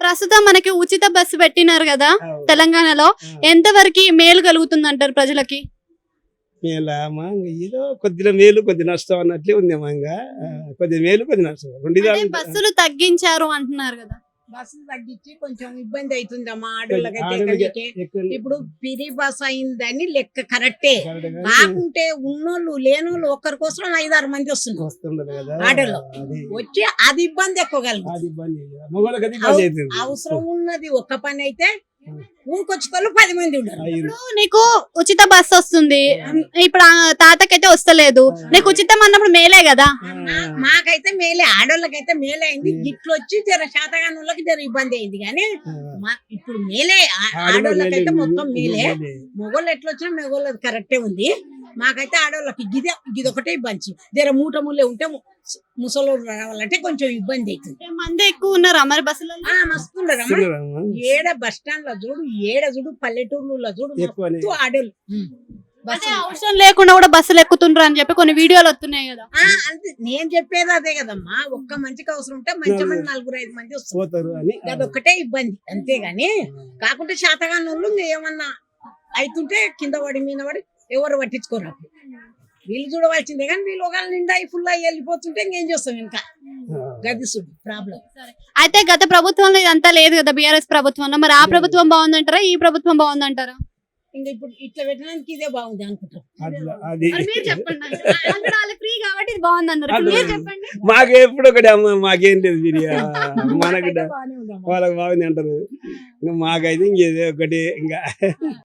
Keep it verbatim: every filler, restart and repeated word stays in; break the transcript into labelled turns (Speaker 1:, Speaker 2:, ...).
Speaker 1: ప్రస్తుతం మనకి ఉచిత బస్సు పెట్టినారు కదా
Speaker 2: అవును.
Speaker 1: తెలంగాణలో,
Speaker 2: ఆ.
Speaker 1: ఎంతవరకు మేలు కలుగుతుంది అంటారు ప్రజలకి?
Speaker 2: మేలా అమ్మా ఇంక ఏదో కొద్దిగా మేలు కొద్ది నష్టం అన్నట్లే ఉంది అమ్మా ఇంకా ఆ, కొద్ది మేలు కొద్ది నష్టం రెండు
Speaker 1: అంటే
Speaker 2: విధాలు ఉంటాయి.
Speaker 1: బస్సులు తగ్గించారు అంటున్నారు కదా.
Speaker 3: బస్సులు తగ్గించి కొంచెం ఇబ్బంది అవుతుందమ్మా ఆడోళ్ళకైతే
Speaker 2: ఆడోళ్ళకి
Speaker 3: ఎక్కడికి.
Speaker 2: ఎక్కువ
Speaker 3: ఇప్పుడు పిరి బస్ అయిందని లెక్క కరెక్టే,
Speaker 2: కరెక్ట్ గా
Speaker 3: కాకుంటే ఉన్నోళ్ళు లేనోళ్ళు ఒక్కరి కోసం ఐదారు మంది వస్తున్నారు
Speaker 2: వస్తుండదు కదా
Speaker 3: ఆటోలో.
Speaker 2: అది
Speaker 3: వచ్చి అది ఇబ్బంది ఎక్కువ కలుగుతుంది.
Speaker 2: అది ఇబ్బంది మగవాళ్ళకి అది ఇబ్బంది అవుతుంది
Speaker 3: అవసరం ఉన్నది ఒక్క పని అయితే ఊరికొచ్చేటోళ్ళు పది మంది ఉండరు.
Speaker 2: ఆ, ఇరు-
Speaker 1: ఇప్పుడు నీకు ఉచిత బస్సు వస్తుంది, ఇప్పుడు ఆ తాతకైతే వస్తలేదు, నీకు ఉచితం అన్నప్పుడు మేలే కదా.
Speaker 3: మా- మాకైతే మేలే, ఆడోళ్ళకైతే మేలే అయింది. గిట్లు వచ్చి జర శాతగాని వాళ్ళకి జర ఇబ్బంది అయింది కానీ మా- ఇప్పుడు మేలే ఆ-
Speaker 2: ఆడోళ్ళకి
Speaker 3: ఆడోళ్ళకైతే
Speaker 2: మేలే,
Speaker 3: మొత్తం మేలే.
Speaker 2: మేలే.
Speaker 3: మొగోళ్ళు ఎట్లా వచ్చినా మొగోళ్ళది కరెక్టే ఉంది. మాకైతే ఆడవాళ్ళకి గిదే గిదొకటే ఇబ్బంది. జర మూట ముల్లే ఉంటే ము- ముసలోళ్ళు రావాలంటే కొంచెం ఇబ్బంది అవుతుంది.
Speaker 1: మంది ఎక్కువ ఉన్నారు మరి బస్సులలో.
Speaker 3: ఆ మస్తుండరమ్మా.
Speaker 2: వస్తుండరమ్మా.
Speaker 3: ఏడ బస్ స్టాండ్ లో చూడు, ఏడ చూడు, పల్లెటూర్లలో చూడు,
Speaker 2: ఎక్కువనే.
Speaker 3: మొత్తం ఆడోళ్ళు
Speaker 1: అంటే అవసరం లేకుండా కూడా బస్సులు ఎక్కుతుండ్రు అని చెప్పి కొన్ని వీడియోలు వస్తున్నాయి కదా.
Speaker 3: ఆ, అంతే నేను చెప్పేది అదే కదమ్మా. ఒక్క మంచికి అవసరం ఉంటే మంచి మంది నలుగురు ఐదు మంది వస్తారు.
Speaker 2: పోతారు అని
Speaker 3: అదొక్కటే ఇబ్బంది అంతేగాని, కాకుంటే శాతగాని వాళ్ళు ఇంకా ఏమన్నా అవుతుంటే కింద పడి మీద పడి ఎవరు పట్టించుకోరు. అప్పుడు వీళ్ళు చూడవలసిందే కానీ వీళ్ళు ఒకవేళ నిండా ఫుల్ అయ్యి వెళ్ళిపోతుంటే ఇంకేం చేస్తాం ఇంకా గదిసుడు ప్రాబ్లం.
Speaker 1: అయితే గత ప్రభుత్వంలో ఇదంతా లేదు కదా, బీఆర్ఎస్ ప్రభుత్వంలో. మరి ఆ ప్రభుత్వం బాగుందంటారా, ఈ ప్రభుత్వం బాగుందంటారా?
Speaker 3: ఇంకా ఇప్పుడు ఇట్లా పెట్టడానికి ఇదే బాగుంది అనుకుంటాం.
Speaker 2: అట్లా అది
Speaker 1: మరి మీరు చెప్పండి. అక్కడ వాళ్ళు ఫ్రీ కాబట్టి ఇది బాగుంది అన్నారు, ఇప్పుడు మీరు చెప్పండి.
Speaker 2: మాకు ఎప్పుడు ఒకటి అమ్మ మాకేం లేదు బిర్యా మనకు
Speaker 3: మాకైతే బాగానే ఉందమ్మా.
Speaker 2: వాళ్ళకి బాగుంది అంటారు ఇంకా మాకైతే ఇంకేదో ఒకటి ఇంకా